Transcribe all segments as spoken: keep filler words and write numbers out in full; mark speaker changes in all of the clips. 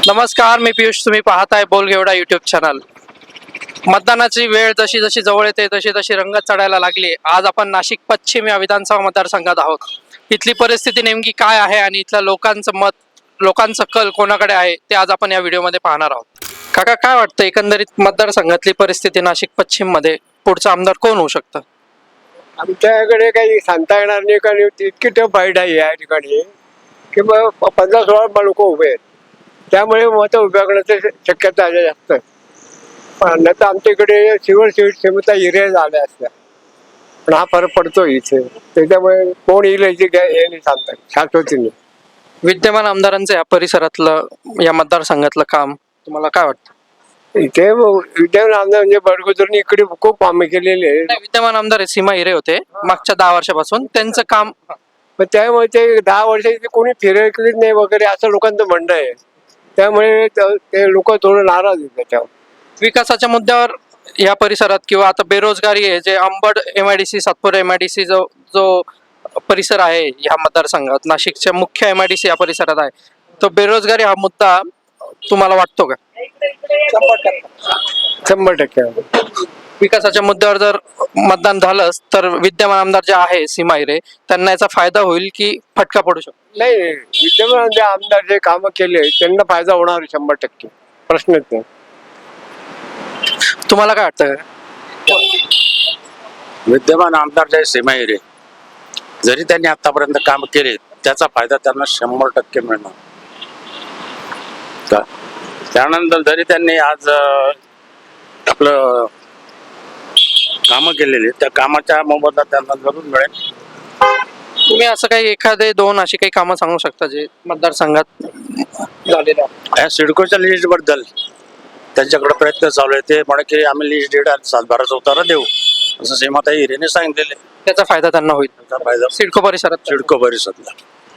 Speaker 1: नमस्कार, मी पियुष. तुम्ही पाहताय बोलगेवडा युट्यूब चॅनल. मतदानाची वेळ जशी जशी जवळ येते तशी तशी रंगत चढायला लागली. आज आपण नाशिक पश्चिम या विधानसभा मतदारसंघात आहोत. इथली परिस्थिती नेमकी काय आहे आणि इथल्या लोकांचं मत, लोकांचं कल कोणाकडे आहे ते आज आपण या व्हिडिओमध्ये पाहणार आहोत. काका, काय वाटतं एकंदरीत मतदारसंघातली परिस्थिती नाशिक पश्चिम मध्ये पुढचा आमदार कोण होऊ शकतं?
Speaker 2: आमच्याकडे काही सांगता येणार नाही, कारण इतकी टफ फाईट आहे या ठिकाणी की मग पंधरा सोळा लोक उभे आहेत, त्यामुळे मतं उभ्या करण्याची शक्यता आहे जास्त. पण तर आमच्या इकडे सिव्हर सीट क्षमता एरिया झाल्या असत्या, पण हा फरक पडतो इथे. त्याच्यामुळे कोण येईल याची काय हे नाही सांगतात, शाश्वती नाही.
Speaker 1: विद्यमान आमदारांचं या परिसरातलं, या मतदारसंघातलं काम तुम्हाला काय वाटतं?
Speaker 2: इथे विद्यमान आमदार म्हणजे बडगुजरनी इकडे खूप कामे केलेली आहे.
Speaker 1: नाही, विद्यमान आमदार आहे, सीमा हिरे होते मागच्या दहा वर्षापासून. त्यांचं काम,
Speaker 2: पण त्यामुळे ते दहा वर्ष इथे कोणी फिरकलीच नाही वगैरे असं लोकांचं म्हणणं आहे. त्यामुळे ते लोक थोडं नाराज आहेत त्याच्यावर.
Speaker 1: विकासाच्या मुद्द्यावर या परिसरात किंवा आता बेरोजगारी आहे, जे अंबड एमआयडीसी, सातपूर एमआयडीसी जो जो परिसर आहे ह्या मतदारसंघात, नाशिकच्या मुख्य एमआयडीसी या परिसरात आहे, तो बेरोजगारी हा मुद्दा तुम्हाला वाटतो का?
Speaker 2: शंभर टक्के
Speaker 1: विकासाच्या मुद्द्यावर जर मतदान झालंच तर विद्यमान आमदार जे आहे सीमा हिरे, त्यांना याचा फायदा होईल की फटका पडू शकतो?
Speaker 2: नाही, विद्यमान जे आमदार जे कामं केले त्यांना फायदा होणार आहे, शंभर टक्के, प्रश्नच नाही.
Speaker 1: तुम्हाला काय वाटतं?
Speaker 3: विद्यमान आमदार जे सीमा हिरे, जरी त्यांनी आतापर्यंत काम केले त्याचा फायदा त्यांना शंभर टक्के मिळणार. का त्यानंतर जरी त्यांनी आज अं, आपलं कामं केलेली, त्या कामाच्या मोबदला त्यांना जरूर मिळेल.
Speaker 1: तुम्ही असं काही एखादे दोन अशी काही कामं सांगू शकता जे मतदारसंघात झालेले आहेत?
Speaker 3: या सिडकोच्या लिस्ट बद्दल त्यांच्याकडे प्रयत्न चालू आहे. ते म्हणे की आम्ही लिस्ट डेट आणि सातबाराचा उतारा देऊ, असं सीमाताई हिरेने सांगितलेले.
Speaker 1: त्याचा फायदा त्यांना होईल
Speaker 3: त्याचा फायदा
Speaker 1: सिडको परिसरात.
Speaker 3: सिडको परिषदला.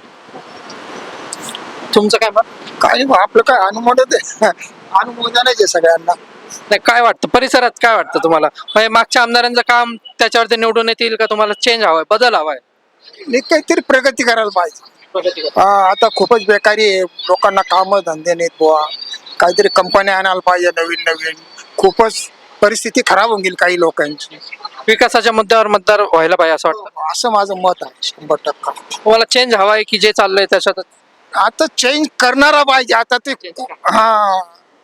Speaker 1: तुमचं काय मत?
Speaker 4: काय आपलं काय अनुमोदन आहे, अनुमोदन आहे सगळ्यांना.
Speaker 1: नाही, काय वाटतं परिसरात, काय वाटतं तुम्हाला? म्हणजे मागच्या आमदारांचं काम त्याच्यावरती निवडून येतील का? तुम्हाला चेंज हवाय, बदल हवाय?
Speaker 4: नाही, काहीतरी प्रगती करायला पाहिजे. हा, आता खूपच बेकारी आहे, लोकांना काम धंदे नाहीत बुवा. काहीतरी कंपन्या आणायला पाहिजे नवीन नवीन. खूपच परिस्थिती खराब होऊन गेली काही लोकांची.
Speaker 1: विकासाच्या मुद्द्यावर मतदार व्हायला पाहिजे असं वाटतं?
Speaker 4: असं माझं मत आहे, शंभर टक्का.
Speaker 1: तुम्हाला चेंज हवाय की जे चाललंय त्याच्यात?
Speaker 4: आता चेंज करणारा पाहिजे. आता ते हा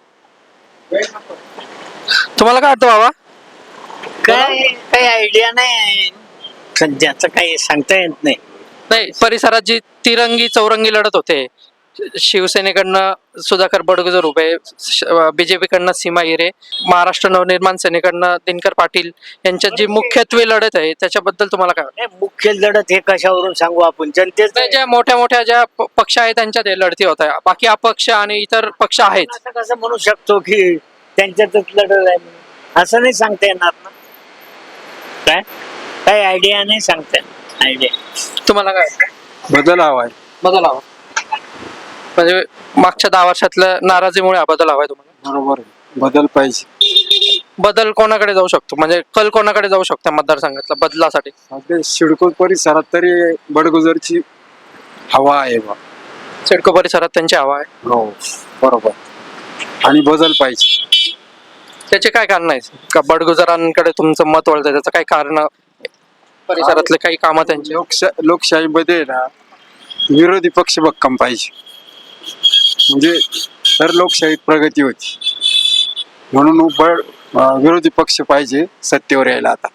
Speaker 1: तुम्हाला काय वाटतं बाबा?
Speaker 5: काय काही आयडिया नाही सध्याचं, काही सांगता येत नाही.
Speaker 1: नाही, परिसरात जी तिरंगी चौरंगी लढत होते, शिवसेनेकडनं सुधाकर बडगुजर उभे, बीजेपीकडनं सीमा हिरे, महाराष्ट्र नवनिर्माण सेनेकडनं दिनकर पाटील यांच्यात जी मुख्यत्वे लढत आहे त्याच्याबद्दल तुम्हाला काय वाटतं?
Speaker 5: नाही, मुख्य लढत हे कशावरून सांगू आपण? जनतेच
Speaker 1: नाही, ज्या मोठ्या मोठ्या ज्या प- पक्ष आहेत त्यांच्यात हे लढती होत आहे, बाकी अपक्ष आणि इतर पक्ष आहेत.
Speaker 5: असं कसं म्हणू शकतो की त्यांच्यातच लढत आहे म्हणून? असं नाही सांगता येणार ना. काय काही आयडिया नाही सांगता येणार. आयडिया
Speaker 1: तुम्हाला काय वाटतं?
Speaker 2: बदल हवाय.
Speaker 1: बदल हवा म्हणजे मागच्या दहा वर्षातल्या नाराजीमुळे हा बदल हवाय तुम्हाला?
Speaker 2: बरोबर आहे, बदल पाहिजे.
Speaker 1: बदल कोणाकडे जाऊ शकतो, म्हणजे कल कोणाकडे जाऊ शकतो मतदारसंघातल्या बदलासाठी?
Speaker 2: सध्या सिडको परिसरात तरी बडगुजरची हवा आहे बा.
Speaker 1: सिडको परिसरात त्यांची हवा आहे.
Speaker 2: हो, बरोबर. आणि बदल पाहिजे.
Speaker 1: त्याचे काय कारण आहेत का बडगुजरांकडे तुमचं मत वळतंय? त्याचं काही कारण, परिसरातले काही कामं त्यांची?
Speaker 2: लोकशा लोकशाहीमध्ये ना विरोधी पक्ष भक्कम पाहिजे, म्हणजे तर लोकशाहीत प्रगती होती. म्हणून बळ अं, विरोधी पक्ष पाहिजे सत्तेवर यायला आता.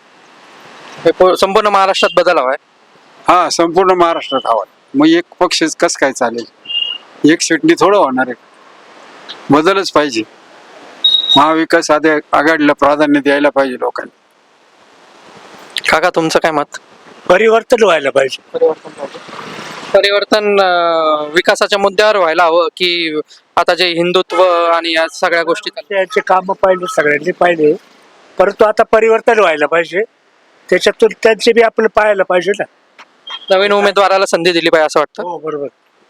Speaker 1: हे पू- संपूर्ण महाराष्ट्रात बदल हवाय.
Speaker 2: हा, संपूर्ण महाराष्ट्रात हवा. मग एक पक्ष कस काय चालेल? एक सीटनी थोडं होणार आहे. बदलच पाहिजे. महाविकास आधी आघाडीला प्राधान्य द्यायला पाहिजे लोकांनी.
Speaker 1: काका, तुमचं काय मत?
Speaker 5: परिवर्तन व्हायला पाहिजे.
Speaker 1: परिवर्तन अं, विकासाच्या मुद्द्यावर व्हायला हवं की आता जे हिंदुत्व आणि या सगळ्या गोष्टी चालल्या?
Speaker 5: त्याचे काम पाहिजे, सगळ्यांनी पाहिजे, परंतु आता परिवर्तन व्हायला पाहिजे. त्याच्यातून त्यांचे बी आपलं पाहायला पाहिजे ना.
Speaker 1: नवीन उमेदवाराला संधी दिली पाहिजे असं वाटतं?
Speaker 5: हो, बरोबर.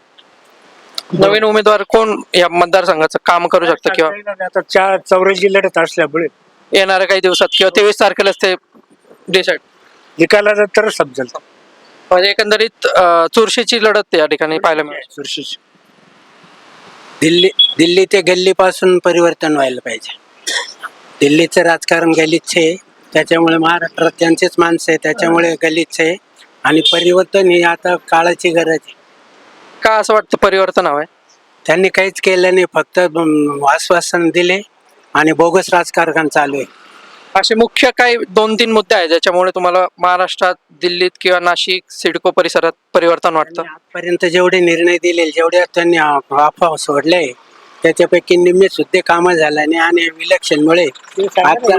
Speaker 1: नवीन उमेदवार कोण या मतदारसंघाचं काम करू शकतं किंवा
Speaker 5: आता चार चौऱ्याऐंशी लढत असल्यामुळे
Speaker 1: येणाऱ्या काही दिवसात किंवा तेवीस तारखेलाच ते डिसाईड
Speaker 5: निकालानंतर समजेल.
Speaker 1: म्हणजे एकंदरीत अं, चुरशीची लढत या ठिकाणी पाहायला मिळेल.
Speaker 5: चुरशीची दिल्ली
Speaker 6: दिल्ली ते गल्लीपासून परिवर्तन व्हायला पाहिजे. दिल्लीचं राजकारण गलिच्छ आहे, त्याच्यामुळे महाराष्ट्रात त्यांचेच माणसं आहे, त्याच्यामुळे गलिच्छ आहे. आणि परिवर्तन ही आता काळाची गरज आहे.
Speaker 1: का असं वाटतं परिवर्तन हवंय?
Speaker 6: त्यांनी काहीच केलं नाही, फक्त अं, आश्वासन दिले आणि बोगस राजकारण चालू आहे.
Speaker 1: असे मुख्य काही दोन तीन मुद्दे आहेत ज्याच्यामुळे तुम्हाला महाराष्ट्रात दिल्लीत किंवा नाशिक सिडको परिसरात परिवर्तन वाटतं?
Speaker 6: आजपर्यंत जेवढे निर्णय दिले, जेवढे त्यांनी अफवा सोडले, त्याच्यापैकी निम्मे सुद्धा कामं झाल्याने आणि विलक्षणमुळे आता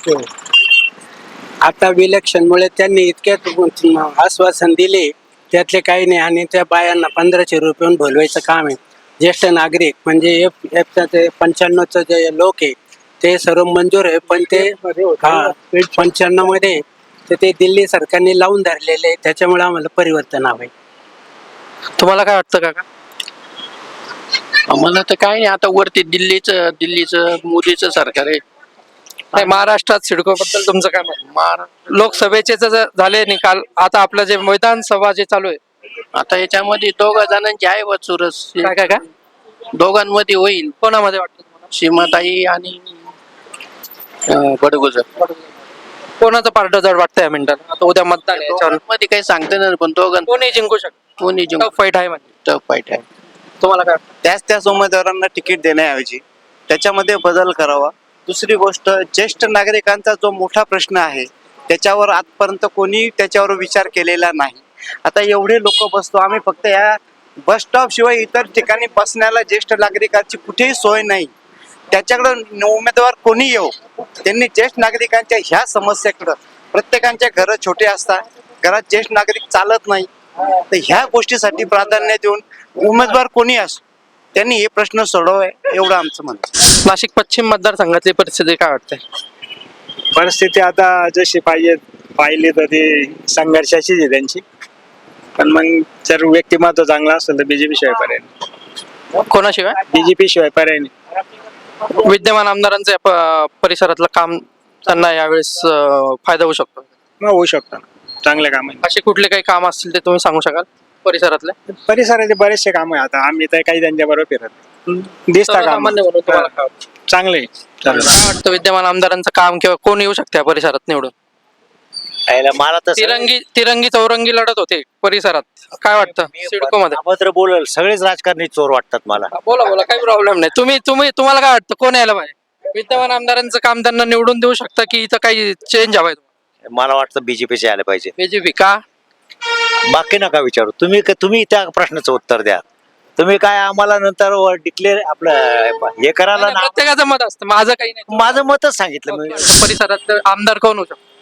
Speaker 6: आता विलक्षणमुळे त्यांनी इतक्यात आश्वासन दिले, त्यातले काही नाही. आणि त्या बायांना पंधराशे रुपये बोलवायचं काम आहे. ज्येष्ठ नागरिक म्हणजे एफ एफचा ते पंच्याण्णवचं जे लोक आहे ते सर्व मंजूर आहे, पण ते हा पंच्याण्णव मध्ये तर ते दिल्ली सरकारने लावून धरलेले आहे, त्याच्यामुळे आम्हाला परिवर्तन हवंय.
Speaker 1: तुम्हाला काय वाटतं काका?
Speaker 3: आम्हाला तर काय नाही, आता वरती दिल्लीचं दिल्लीचं मोदीचं सरकार आहे.
Speaker 1: नाही, महाराष्ट्रात सिडको बद्दल तुमचं काय मत?
Speaker 3: महाराष्ट्र
Speaker 1: लोकसभेचे जे झाले निकाल, आता आपलं जे विधानसभा जे चालू आहे,
Speaker 3: आता याच्यामध्ये दोघा जणांची आहे व चुरस.
Speaker 1: काय काय काय
Speaker 3: दोघांमध्ये होईल,
Speaker 1: कोणामध्ये वाटतं तुम्हाला?
Speaker 3: सीमाताई आणि अं, बडगुजर.
Speaker 1: कोणाचं पार्ट जड वाटतं या मिनिटाला? आता उद्या मतदान आहे याच्यावर
Speaker 3: मध्ये काही सांगता नाही, पण दोघां
Speaker 1: कोणी जिंकू शकतो?
Speaker 3: कोणी जिंकू
Speaker 1: फाईट आहे म्हणजे
Speaker 3: टफ फाईट आहे.
Speaker 1: तुम्हाला काय वाटतं?
Speaker 7: त्याच त्याच उमेदवारांना तिकीट देण्याऐवजी त्याच्यामध्ये बदल करावा. दुसरी गोष्ट, ज्येष्ठ नागरिकांचा जो मोठा प्रश्न आहे त्याच्यावर आजपर्यंत कोणी त्याच्यावर विचार केलेला नाही. आता एवढे लोक बसतो आम्ही, फक्त या बस स्टॉप शिवाय इतर ठिकाणी बसण्याला ज्येष्ठ नागरिकांची कुठेही सोय नाही. त्याच्याकडं उमेदवार कोणी येऊ, त्यांनी ज्येष्ठ नागरिकांच्या ह्या समस्येकडं, प्रत्येकांच्या घरं छोटे असतात, घरात ज्येष्ठ नागरिक चालत नाही, तर ह्या गोष्टीसाठी प्राधान्य देऊन उमेदवार कोणी असो त्यांनी हे प्रश्न सोडवावे एवढं आमचं म्हणणं.
Speaker 1: नाशिक पश्चिम मतदारसंघातली परिस्थिती काय वाटते?
Speaker 8: परिस्थिती आता जशी पाहिजे पाहिली तर ती संघर्षाचीच आहे त्यांची, पण मग जर व्यक्तिमत्व चांगलं असेल तर बीजेपी शिवाय पर्याय नाही.
Speaker 1: कोणाशिवाय?
Speaker 8: बीजेपी शिवाय पर्याय नाही.
Speaker 1: विद्यमान आमदारांचं या प- परिसरातलं काम त्यांना यावेळेस अं, फायदा होऊ शकतो.
Speaker 8: मग होऊ शकतं चांगले काम आहे.
Speaker 1: असे कुठले काही काम असतील ते तुम्ही सांगू शकाल परिसरातले?
Speaker 8: परिसराचे बरेचसे काम आहे. आता आम्ही तर काही त्यांच्या बरोबर फिरत नाही. दिसता काम
Speaker 1: सर्वसामान्य म्हणून तुम्हाला काय वाटतं?
Speaker 8: चांगले आहे. चालेल.
Speaker 1: काय वाटतं विद्यमान आमदारांचं काम किंवा कोण येऊ शकते या परिसरात निवडून?
Speaker 9: मला तर
Speaker 1: तिरंगी तिरंगी चौरंगी लढत होते परिसरात, काय वाटतं सिडको मध्ये?
Speaker 9: अभद्र बोलल सगळेच राजकारणी चोर वाटतात मला.
Speaker 1: बोला बोला, काही प्रॉब्लेम नाही. तुम्ही तुम्ही तुम्हाला काय वाटतं कोण यायला पाहिजे? विद्यमान आमदारांचं काम त्यांना निवडून देऊ शकता की इथं काही चेंज हवाय?
Speaker 9: मला वाटतं बीजेपीचे आले पाहिजे.
Speaker 1: बीजेपी का?
Speaker 9: बाकी नका विचारू तुम्ही. तुम्ही त्या प्रश्नाचं उत्तर द्या. तुम्ही काय आम्हाला नंतर डिक्लेअर आपलं हे करायला ना.
Speaker 1: प्रत्येकाचं मत असतं, माझं काही नाही.
Speaker 9: माझं मतच सांगितलं मी.
Speaker 1: परिसरात आमदार कोण होऊ शकतो?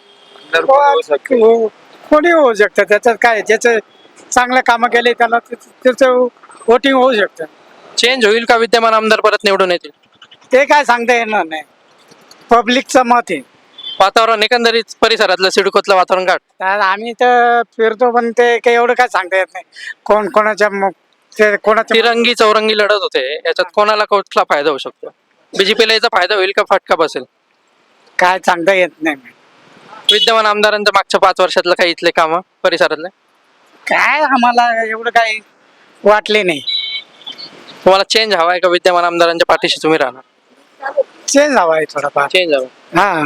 Speaker 4: कोणी होऊ शकतं, त्याच्यात काय, ज्याचं चांगलं कामं केले त्याला त्याचं वोटिंग होऊ शकतं.
Speaker 1: चेंज होईल का? विद्यमान आमदार परत निवडून येतील?
Speaker 4: ते काय सांगता येणार नाही, पब्लिकचं मत आहे.
Speaker 1: वातावरण एकंदरीत परिसरातलं सिडकोतलं वातावरण काय वाटतं?
Speaker 4: तर आम्ही तर फिरतो, पण ते काही एवढं काय सांगता येत नाही कोण कोणाच्या मग ते कोणाच्या
Speaker 1: तिरंगी चौरंगी लढत होते, याच्यात कोणाला कुठला फायदा होऊ शकतो? बीजेपीला याचा फायदा होईल का फटका बसेल?
Speaker 4: काय सांगता येत नाही.
Speaker 1: विद्यमान आमदारांच्या मागच्या पाच वर्षातलं काही इथले कामं परिसरातले
Speaker 4: काय आम्हाला एवढं काही वाटले नाही.
Speaker 1: तुम्हाला चेंज हवाय का विद्यमान आमदारांच्या पाठीशी तुम्ही राहणार?
Speaker 4: चेंज हवा आहे थोडाफार.
Speaker 1: चेंज हवं
Speaker 4: हा,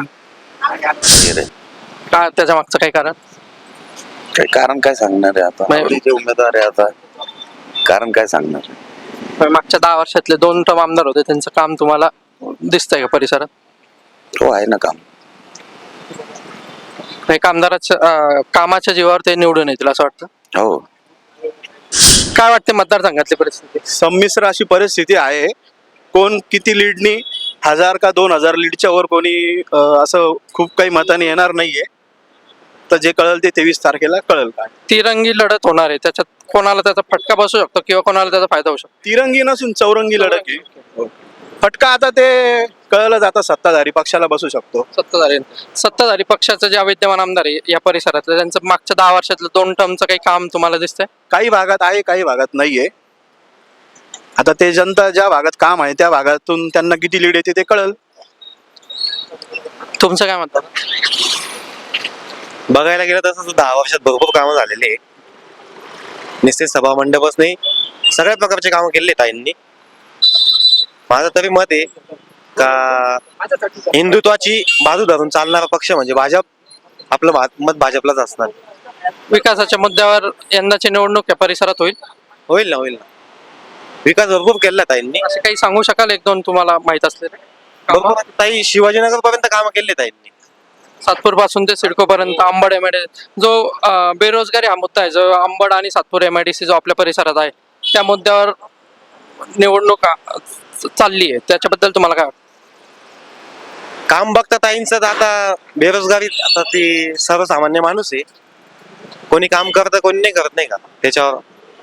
Speaker 1: का? त्याच्या मागचं काही कारण?
Speaker 10: काय कारण काय सांगणार आहे आता?
Speaker 1: नाही.
Speaker 10: आवडीचे उमेदवार आहे आता, कारण काय सांगणार आहे?
Speaker 1: पण मागच्या दहा वर्षातले दोन टर्म आमदार होते, त्यांचं काम तुम्हाला दिसतंय का परिसरात?
Speaker 10: हो, आहे ना काम.
Speaker 1: एक आमदाराच्या अं, कामाच्या जीवावर ते निवडून येतील असं वाटतं?
Speaker 10: हो,
Speaker 1: काय वाटते मतदारसंघातली परिस्थिती?
Speaker 7: संमिश्र अशी परिस्थिती आहे. कोण किती लीडनी, हजार का दोन हजार लीडच्या वर कोणी अं, असं खूप काही मताने येणार नाहीये. तर जे कळल ते तेवीस तारखेला कळल. काय
Speaker 1: तिरंगी लढत होणार आहे, त्याच्यात कोणाला त्याचा फटका बसू शकतो किंवा कोणाला त्याचा फायदा होऊ शकतो?
Speaker 7: तिरंगी नसून चौरंगी लढत आहे. फटका आता ते कळलंच, आता सत्ताधारी पक्षाला बसू शकतो.
Speaker 1: सत्ताधारी सत्ताधारी पक्षाचं जे विद्यमान आमदार आहे या परिसरातलं, त्यांचं मागच्या दहा वर्षातलं दोन टर्मचं काही काम तुम्हाला दिसतंय?
Speaker 7: काही भागात आहे, काही भागात नाहीये. आता ते जनता ज्या भागात काम आहे त्या भागातून त्यांना किती लीड येते ते कळल.
Speaker 1: तुमचं काय म्हणतात?
Speaker 11: बघायला गेलं तसं दहा वर्षात भरपूर कामं झालेली आहे. निश्चित सभा मंडपच नाही, सगळ्या प्रकारचे कामं केलेले आहेत ताईंनी. माझं तरी मत आहे का हिंदुत्वाची बाजू धरून चालणारा पक्ष म्हणजे भाजप, आपलं भा- मत भाजपलाच असणार.
Speaker 1: विकासाच्या मुद्द्यावर यंदाची निवडणूक या परिसरात होईल
Speaker 11: होईल ना होईल ना विकास भरपूर केला ताईंनी.
Speaker 1: असे काही सांगू शकाल एक दोन तुम्हाला माहित असलेले?
Speaker 11: भरपूर ताई शिवाजीनगर पर्यंत कामं केले ताईंनी.
Speaker 1: सातपूर पासून ते सिडको पर्यंत अंबड एमआयडीसी जो अं, बेरोजगारी हा मुद्दा आहे, जो अंबड आणि सातपूर एमआयडीसी जो आपल्या परिसरात आहे, त्या मुद्द्यावर निवडणूक अं, चालली आहे, त्याच्याबद्दल तुम्हाला काय वाटतं?
Speaker 11: काम बघता ताईंचं तर आता बेरोजगारी, आता ती सर्वसामान्य माणूस आहे, कोणी काम करतं कोणी नाही करत नाही का त्याच्यावर.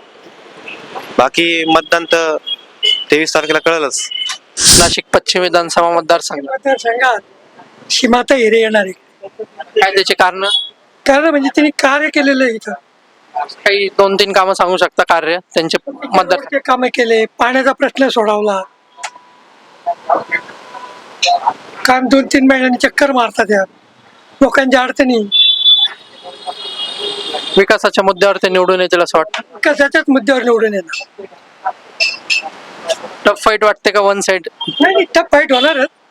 Speaker 11: बाकी मतदान तर तेवीस तारखेला कळलंच.
Speaker 1: नाशिक पश्चिम विधानसभा मतदारसंघ
Speaker 4: मतदारसंघात सीमाता हिरे येणार आहे.
Speaker 1: काय त्याची कारण
Speaker 4: कारण म्हणजे त्यांनी कार्य केलेलं आहे इथं.
Speaker 1: काही दोन तीन कामं सांगू शकता कार्य त्यांचे मतदार?
Speaker 4: रोडचे कामे केले, पाण्याचा प्रश्न सोडवला. काम दोन तीन महिन्यांनी चक्कर मारतात या लोकांच्या अडचणी.
Speaker 1: विकासाच्या मुद्द्यावर ते निवडून येतील असं वाटतं?
Speaker 4: कशाच्याच मुद्द्यावर निवडून येणार
Speaker 1: टफ फाईट वाटते का वन साइड?
Speaker 4: नाही, टफ फाईट होणारच.